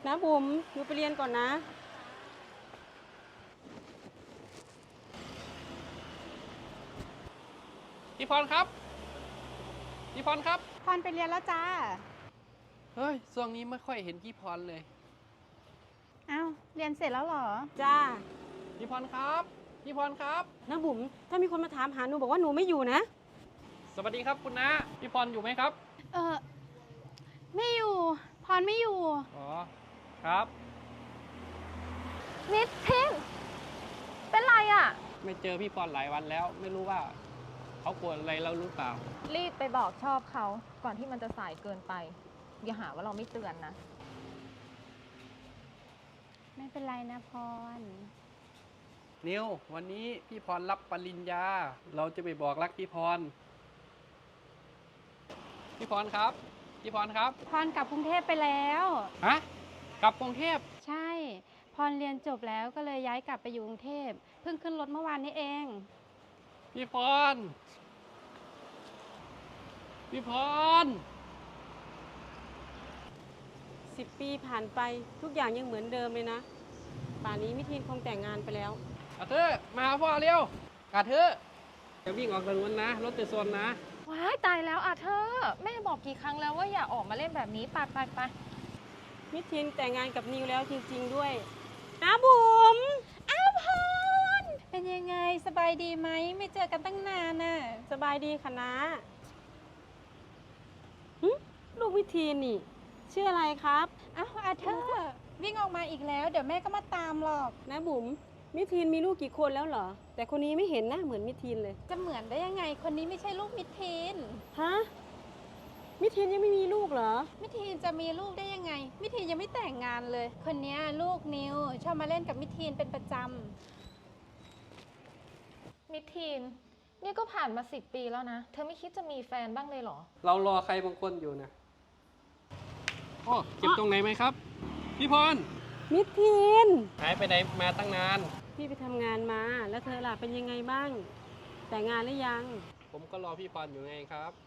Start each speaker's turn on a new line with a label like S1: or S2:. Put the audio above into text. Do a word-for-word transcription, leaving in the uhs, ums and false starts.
S1: นะบุ๋มหนูไปเรียนก่อนนะ
S2: พี่พรครับพี่พรครับ
S3: พรไปเรียนแล้วจ้า
S2: เฮ้ยช่วงนี้ไม่ค่อยเห็นพี่พรเลย
S3: อ้าวเรียนเสร็จแล้วเหรอ
S1: จ้า
S2: พี่พรครับพี่พรครับ
S1: นะบุ๋มถ้ามีคนมาถามหาหนูบอกว่าหนูไม่อยู่นะ
S2: สวัสดีครับคุณน้าพี่พรอยู่ไหมครับ
S3: เออไม่อยู่พรไม่อยู่
S2: อ๋อครับ
S4: นิดทินเป็นไรอ่ะ
S2: ไม่เจอพี่พรหลายวันแล้วไม่รู้ว่าเขากลัวอะไรเราหรือเปล่า
S4: รีบไปบอกชอบเขาก่อนที่มันจะสายเกินไปอย่าหาว่าเราไม่เตือนนะ
S3: ไม่เป็นไรนะพร
S2: นิววันนี้พี่พรรับปริญญาเราจะไปบอกรักพี่พรพี่พรครับพี่พรครับ
S3: พรกลับกรุงเทพไปแล้ว
S2: ฮะกลับกรุงเทพ
S3: ใช่พรเรียนจบแล้วก็เลยย้ายกลับไปอยู่กรุงเทพเพิ่งขึ้นรถเมื่อวานนี้เอง
S2: พี่พรพี่พร
S1: สิบปีผ่านไปทุกอย่างยังเหมือนเดิมเลยนะป่านนี้มิทีนคงแต่งงานไปแล้ว
S2: อาเธอมาหาพ่อเร็วอาเธอจะวิ่งออกถนนนะรถจะชนนะ
S4: ว้ายตายแล้วอ่ะเธอแม่บอกกี่ครั้งแล้วว่าอย่าออกมาเล่นแบบนี้ไปไปไป
S1: มิทีนแต่งงานกับนิวแล้วจริงๆด้วยนะบุ๋ม
S3: อ้าวพรเป็นยังไงสบายดีไหมไม่เจอกันตั้งนานน่ะ
S1: สบายดีค่ะนะลูกมิทีนนี่ชื่ออะไรครับ
S3: อ้าวอาเธอร์วิ่งออกมาอีกแล้วเดี๋ยวแม่ก็มาตามหรอก
S1: นะบุ๋มมิทีนมีลูกกี่คนแล้วเหรอแต่คนนี้ไม่เห็นหน้าเหมือนมิทีนเลย
S3: จะเหมือนได้ยังไงคนนี้ไม่ใช่ลูกมิทีน
S1: ฮะมิทีนยังไม่มีลูกเหรอ
S3: มิทีนจะมีลูกได้ยังไงมิทีนยังไม่แต่งงานเลยคนนี้ลูกนิวชอบมาเล่นกับมิทีนเป็นประจ
S4: ำมิทีนนี่ก็ผ่านมาสิบปีแล้วนะเธอไม่คิดจะมีแฟนบ้างเลยเหรอ
S2: เรารอใครบางคนอยู่นะโอ้เจ็บตรงไหนไหมครับพี่พร
S1: มิทีน
S2: หายไปไหนมาตั้งนาน
S1: พี่ไปทำงานมาแล้วเธอล่ะเป็นยังไงบ้างแต่งงานหรือยัง
S2: ผมก็รอพี่พรอยู่ไงครับ